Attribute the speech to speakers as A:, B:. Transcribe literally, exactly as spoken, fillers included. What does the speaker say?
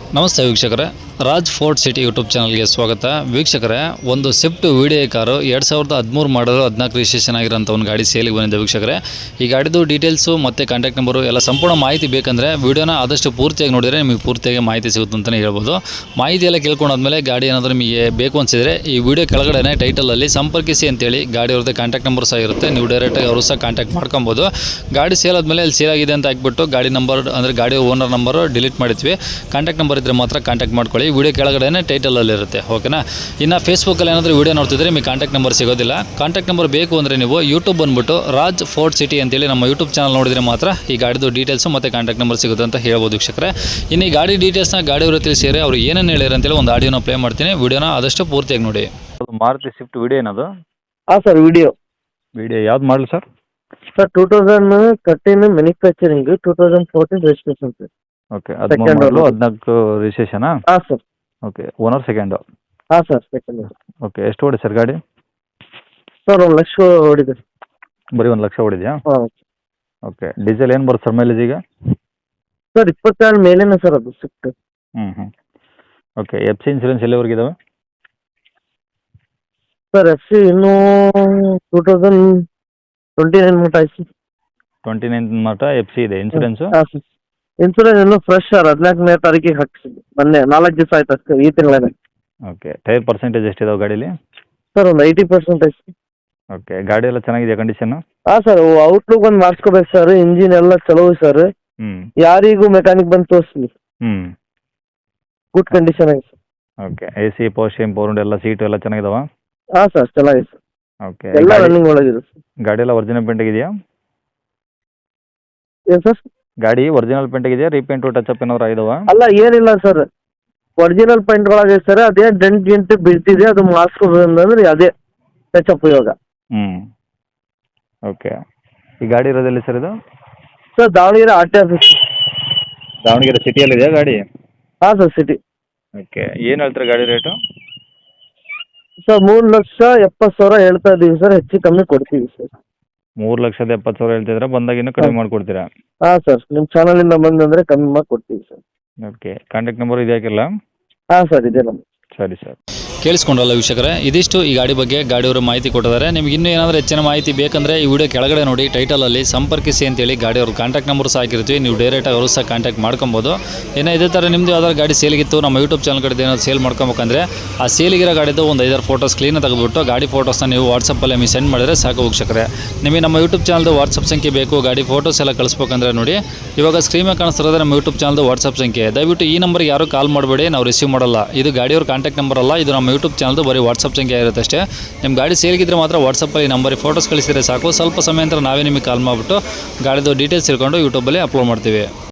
A: ನಮಸ್ತೆ ವೀಕ್ಷಕರೇ, Raj fort city YouTube ಚಾನಲ್ಗೆ ಸ್ವಾಗತ. ವೀಕ್ಷಕರೇ, ಒಂದು ಸ್ವಿಫ್ಟ್ ವಿಡಿಯೋ ಕಾರು ಎರಡು ಸಾವಿರದ ಹದಿಮೂರು ಮಾಡಲು ಹದಿನಾಲ್ಕು ರಿಜಿಸ್ಟ್ರೇಷನ್ ಆಗಿರೋಂಥ ಒಂದು ಗಾಡಿ ಸೇಲಿಗೆ ಬಂದಿದೆ. ವೀಕ್ಷಕರೇ, ಈ ಗಾಡಿದು ಡೀಟೇಲ್ಸು ಮತ್ತು ಕಾಂಟ್ಯಾಕ್ಟ್ ನಂಬರು ಎಲ್ಲ ಸಂಪೂರ್ಣ ಮಾಹಿತಿ ಬೇಕಂದರೆ ವೀಡಿಯೋನ ಆದಷ್ಟು ಪೂರ್ತಿಯಾಗಿ ನೋಡಿದರೆ ನಿಮಗೆ ಪೂರ್ತಿಯಾಗಿ ಮಾಹಿತಿ ಸಿಗುತ್ತೆ ಅಂತಲೇ ಹೇಳ್ಬೋದು. ಮಾಹಿತಿ ಎಲ್ಲ ಕೇಳ್ಕೊಂಡಾದ್ಮೇಲೆ ಗಾಡಿ ಏನಾದರೂ ನಿಮಗೆ ಬೇಕು ಅನಿಸಿದರೆ ಈ ವಿಡಿಯೋ ಕೆಳಗಡೆ ಟೈಟಲಲ್ಲಿ ಸಂಪರ್ಕಿಸಿ ಅಂತೇಳಿ ಗಾಡಿ ಅವ್ರದ್ದು ಕಾಂಟ್ಯಾಕ್ಟ್ ನಂಬರ್ ಸಹ ಇರುತ್ತೆ. ನೀವು ಡೈರೆಕ್ಟಾಗಿ ಅವರು ಸಹ ಕಾಂಟ್ಯಾಕ್ಟ್ ಮಾಡ್ಕೊಬೋದು. ಗಾಡಿ ಸೇಲ್ ಆದಮೇಲೆ ಅಲ್ಲಿ ಸೇಲ್ ಆಗಿದೆ ಅಂತ ಹಾಕ್ಬಿಟ್ಟು ಗಾಡಿ ನಂಬರ್ ಅಂದರೆ ಗಾಡಿ ಓನರ್ ನಂಬರು ಡಿಲೀಟ್ ಮಾಡಿದ್ವಿ. ಕಾಂಟ್ಯಾಕ್ಟ್ ನಂಬರ್ ಇದ್ದರೆ ಮಾತ್ರ ಕಾಂಟ್ಯಾಕ್ಟ್ ಮಾಡ್ಕೊಳ್ಳಿ. ವಿಡಿಯೋ ಕೆಳಗಡೆ ಟೈಟಲಲ್ಲಿ ಇರುತ್ತೆ, ಓಕೆನಾ. ಇನ್ನು ಫೇಸ್ಬುಕ್ಕಲ್ಲಿ ಏನಾದರೂ ವಿಡಿಯೋ ನೋಡ್ತಿದ್ರೆ ನಿಮಗೆ ಕಾಂಟ್ಯಾಕ್ಟ್ ನಂಬರ್ ಸಿಗೋದಿಲ್ಲ. ಕಾಂಟ್ಯಾಕ್ಟ್ ನಂಬರ್ ಬೇಕು ಅಂದರೆ ನೀವು ಯೂಟ್ಯೂಬ್ ಬಂದುಬಿಟ್ಟು ರಾಜ್ ಫೋರ್ಟ್ ಸಿಟಿ ಅಂತೇಳಿ ನಮ್ಮ ಯೂಟ್ಯೂಬ್ ಚಾನಲ್ ನೋಡಿದರೆ ಮಾತ್ರ ಈ ಗಾಡಿದು ಡೀಟೇಲ್ಸು ಮತ್ತು ಕಾಂಟ್ಯಾಕ್ಟ್ ನಂಬರ್ ಸಿಗುತ್ತೆ ಅಂತ ಹೇಳ್ಬೋದು ವೀಕ್ಷಕರೇ. ಇನ್ನು ಈ ಗಾಡಿ ಡೀಟೇಲ್ಸ್ನ ಗಾಡಿಯವರು ತಿಳಿಸಿದರೆ ಅವ್ರು ಏನೇನು ಹೇಳಿರ ಅಂತೇಳಿ ಒಂದು ಆಡಿಯೋನ ಪ್ಲೇ ಮಾಡ್ತೀನಿ. ವಿಡಿಯೋನ ಆದಷ್ಟು ಪೂರ್ತಿಯಾಗಿ ನೋಡಿ. ಮಾರುತಿ ಸ್ವಿಫ್ಟ್ ವಿಡಿಯೋ ಏನದು?
B: ಹಾಂ ಸರ್, ವಿಡಿಯೋ
A: ವಿಡಿಯೋ ಯಾವ್ದು ಮಾಡಲಿ sir?
B: Sir two thousand thirteen manufacturing, two thousand fourteen registration sir.
A: Okay, ಹದಿಮೂರು ಹದಿನಾಲ್ಕು ರಿಜಿಸ್ಟ್ರೇಷನಾ?
B: ಹಾಂ ಸರ್.
A: Okay, owner second?
B: ಹಾಂ ಸರ್, ಸೆಕೆಂಡ್.
A: ಓಕೆ, ಎಷ್ಟು ಓಡಿ ಸರ್ ಗಾಡಿ?
B: ಸರ್ ಒಂದು ಲಕ್ಷ ಹೊಡಿದೆ.
A: ಬರೀ ಒಂದು ಲಕ್ಷ ಹೊಡಿದೆಯಾ?
B: ಹಾಂ
A: ಓಕೆ, ಡೀಸೆಲ್ ಏನು ಬರುತ್ತೆ ಸರ್ ಮೈಲೇಜ್ ಈಗ?
B: ಸರ್ ಇಪ್ಪತ್ತೆರಡು ಮೇಲೇನೆ ಸರ್ ಅದು ಸ್ವಿಫ್ಟ್.
A: ಹ್ಞೂ ಹ್ಞೂ ಓಕೆ, ಎಫ್ ಸಿ ಇನ್ಸೂರೆನ್ಸ್ ಎಲ್ಲಿವರೆಗೆ ಇದಾವೆ?
B: ಸರ್ ಎಫ್ ಸಿ ಇನ್ನೂ ಟೂ ತೌಸಂಡ್ ಟ್ವೆಂಟಿ ನೈನ್ ಮಟ್ಟ ಐತಿ.
A: ಟ್ವೆಂಟಿ ನೈನ್ ಮಟ್ಟ ಎಫ್ ಸಿ ಇದೆ. ಇನ್ಸೂರೆನ್ಸು?
B: ಹಾಂ ಸರ್, ಇನ್ಸೂರೆನ್ಸ್ ಇನ್ನೂ ಫ್ರೆಶ್ ಸರ್. ಹದಿನಾಲ್ಕನೇ ತಾರೀಕಿಗೆ ಹಾಕ್ಸಿದ್ವಿ, ಮೊನ್ನೆ ನಾಲ್ಕು ದಿವಸ ಆಯ್ತು ಅಷ್ಟೇ, ಈ ತಿಂಗಳೇ.
A: ಓಕೆ, ಟೈರ್ ಪರ್ಸೆಂಟೇಜ್ ಎಷ್ಟಿದಾವೆ ಗಾಡೀಲಿ?
B: ಸರ್ ಒಂದು ಐಟಿ ಪರ್ಸೆಂಟ್ ಐತಿ.
A: ಓಕೆ, ಗಾಡಿ ಎಲ್ಲ ಚೆನ್ನಾಗಿದೆಯಾ ಕಂಡೀಷನ್ನು?
B: ಹಾಂ ಸರ್, ಔಟ್ಲುಕ್ ಒಂದು ಮಾಡಿಸ್ಕೋಬೇಕು ಸರ್. ಇಂಜಿನ್ ಎಲ್ಲ ಚಲೋ ಸರ್.
A: ಹ್ಞೂ
B: ಯಾರಿಗೂ ಮೆಕ್ಯಾನಿಕ್ ಬಂದು ತೋರಿಸ್ಲಿ,
A: ಹ್ಞೂ
B: ಗುಡ್ ಕಂಡೀಷನ್ ಆಗಿದೆ ಸರ್.
A: ಓಕೆ, ಎ ಸಿ ಪೋಸ್ಟಿಂಗ್ ಪೋರ್ಡ್ ಎಲ್ಲ ಸೀಟು ಎಲ್ಲ ಚೆನ್ನಾಗಿದಾವ?
B: ಹಾಂ ಸರ್, ಚೆನ್ನಾಗಿದೆ ಸರ್.
A: ಓಕೆ,
B: ಎಲ್ಲ ರನ್ನಿಂಗ್ ಒಳಗಿದೆ ಸರ್.
A: ಗಾಡಿ ಎಲ್ಲ ಒರಿಜಿನಲ್ ಪೇಂಟ್ ಆಗಿದೆಯಾ?
B: ಏನು ಸರ್?
A: ಗಾಡಿ ಒರಿಜಿನಲ್ ಪೇಂಟ್ ಆಗಿದೆಯಾ? ರೀಪೇಂಟು ಟಚ್ ಅಪ್ ಏನಾದ್ರು ಆಗಿದಾವ?
B: ಅಲ್ಲ, ಏನಿಲ್ಲ ಸರ್, ಒರಿಜಿನಲ್ ಪೇಂಟ್ ಒಳಗೆ ಸರ್. ಅದೇ ಡೆಂಟ್ ಗಿಂಟ್ ಬೀಳ್ತಿದೆ, ಅದು ಮಾಡಿಸ್ಕೋಬೇಕಂದ್ರೆ ಅದೇ ಟಚ್ ಅಪ್ ಇವಾಗ.
A: ಹ್ಞೂ ಓಕೆ, ಈ ಗಾಡಿ ಇರೋದೆಲ್ಲಿ ಸರ್ ಇದು?
B: Sir Davanagere R T office.
A: Davanagere ಸಿಟಿಯಲ್ಲಿದೆಯಾ ಗಾಡಿ?
B: ಹಾಂ ಸರ್, ಸಿಟಿ.
A: ಓಕೆ, ಏನು ಹೇಳ್ತಾರೆ ಗಾಡಿ ರೇಟು?
B: ಸರ್ ಮೂರು ಲಕ್ಷ ಎಪ್ಪತ್ತು ಸಾವಿರ ಹೇಳ್ತಾ ಇದ್ದೀವಿ ಸರ್, ಹೆಚ್ಚು ಕಮ್ಮಿ ಕೊಡ್ತೀವಿ ಸರ್.
A: ಮೂರು ಲಕ್ಷದ ಎಪ್ಪತ್ತು ಸಾವಿರ ಹೇಳ್ತಿದ್ರೆ ಬಂದಾಗ ಇನ್ನೂ ಕಡಿಮೆ ಮಾಡಿಕೊಡ್ತೀರಾ?
B: ಹಾಂ ಸರ್, ನಿಮ್ಮ ಚಾನಲಿಂದ ಬಂದಂದರೆ ಕಮ್ಮಿ ಮಾಡಿ ಕೊಡ್ತೀವಿ ಸರ್.
A: ಓಕೆ, ಕಾಂಟ್ಯಾಕ್ಟ್ ನಂಬರ್ ಇದೆ ಹಾಕಿಲ್ಲ?
B: ಹಾಂ ಸರ್, ಇದೆ ನಮ್ಮ.
A: ಸರಿ ಸರ್. ಕೇಳಿಸ್ಕೊಂಡ್ರಲ್ಲ ವೀಕ್ಷಕರೇ, ಇದಿಷ್ಟು ಈ ಗಾಡಿ ಬಗ್ಗೆ ಗಾಡಿಯವರು ಮಾಹಿತಿ ಕೊಟ್ಟಿದ್ದಾರೆ. ನಿಮ್ಗೆ ಇನ್ನೂ ಏನಾದರೂ ಹೆಚ್ಚಿನ ಮಾಹಿತಿ ಬೇಕಂದರೆ ಈ ವಿಡಿಯೋ ಕೆಳಗಡೆ ನೋಡಿ ಟೈಟಲಲ್ಲಿ ಸಂಪರ್ಕಿಸಿ ಅಂತೇಳಿ ಗಾಡಿಯವ್ರ ಕಾಂಟ್ಯಾಕ್ಟ್ ನಂಬರ್ ಸಹ ಹಾಕಿರ್ತೀವಿ. ನೀವು ಡೈರೆಕ್ಟಾಗಿ ಅವರು ಸಹ ಕಾಂಟ್ಯಾಕ್ಟ್ ಮಾಡ್ಕೊಬೋದು. ಏನೋ ಇದೇ ಥರ ನಿಮ್ಮದು ಯಾವ್ದಾದ್ರು ಗಾಡಿ ಸೇಲಿಗಿತ್ತು ನಮ್ಮ ಯೂಟ್ಯೂಬ್ ಚಾನಲ್ ಕಡೆ ಏನಾದ್ರು ಸೇಲ್ ಮಾಡ್ಕೊಬೇಕಂದ್ರೆ ಆ ಸೇಲಿಗಿರೋ ಗಾಡಿದು ಒಂದು ಐದಾರು ಫೋಟೋಸ್ ಕ್ಲೀನಾಗಿ ತೆಗೆದುಬಿಟ್ಟು ಗಾಡಿ ಫೋಟೋಸ್ನ ನೀವು ವಾಟ್ಸಪ್ಪಲ್ಲಿ ನಿಮಗೆ ಸೆಂಡ್ ಮಾಡಿದರೆ ಸಾಕು ವೀಕ್ಷಕರೇ. ನಿಮಗೆ ನಮ್ಮ ಯೂಟ್ಯೂಬ್ ಚಾನಲ್ದು ವಾಟ್ಸಪ್ ಸಂಖ್ಯೆ ಬೇಕು, ಗಾಡಿ ಫೋಟೋಸ್ ಎಲ್ಲ ಕಳಿಸ್ಬೇಕಂದ್ರೆ ನೋಡಿ ಇವಾಗ ಸ್ಕ್ರೀನ್ ಮೇಲೆ ಕಾಣಿಸ್ತಿರೋದು ನಮ್ಮ ಯೂಟ್ಯೂಬ್ ಚಾನಲ್ದು ವಾಟ್ಸಪ್ ಸಂಖ್ಯೆ. ದಯವಿಟ್ಟು ಈ ನಂಬರ್ಗೆ ಯಾರು ಕಾಲ್ ಮಾಡಬೇಡಿ, ನಾವು ರಿಸೀವ್ ಮಾಡಲ್ಲ. ಇದು ಗಾಡಿಯವ್ರ ಕಾಂಟ್ಯಾಕ್ಟ್ ನಂಬರ್ ಅಲ್ಲ, ಇದು ನಮ್ಮ ಯೂಟ್ಯೂಬ್ ಚಾನಲ್ದು ಬರೀ ವಾಟ್ಸಪ್ ಸಂಖ್ಯೆ ಇರುತ್ತೆ ಅಷ್ಟೇ. ನಿಮ್ಮ ಗಾಡಿ ಸೇಲ್ಗಿದ್ರೆ ಮಾತ್ರ ವಾಟ್ಸಪ್ಪಲ್ಲಿ ನಂಬರಿಗೆ ಫೋಟೋಸ್ ಕಳಿಸಿದರೆ ಸಾಕು. ಸ್ವಲ್ಪ ಸಮಯ ನಂತರ ನಾವೇ ನಿಮಗೆ ಕಾಲ್ ಮಾಡಿಬಿಟ್ಟು ಗಾಡಿದು ಡೀಟೇಲ್ಸ್ ತಿಳ್ಕೊಂಡು ಯೂಟ್ಯೂಬಲ್ಲಿ ಅಪ್ಲೋಡ್ ಮಾಡ್ತೀವಿ.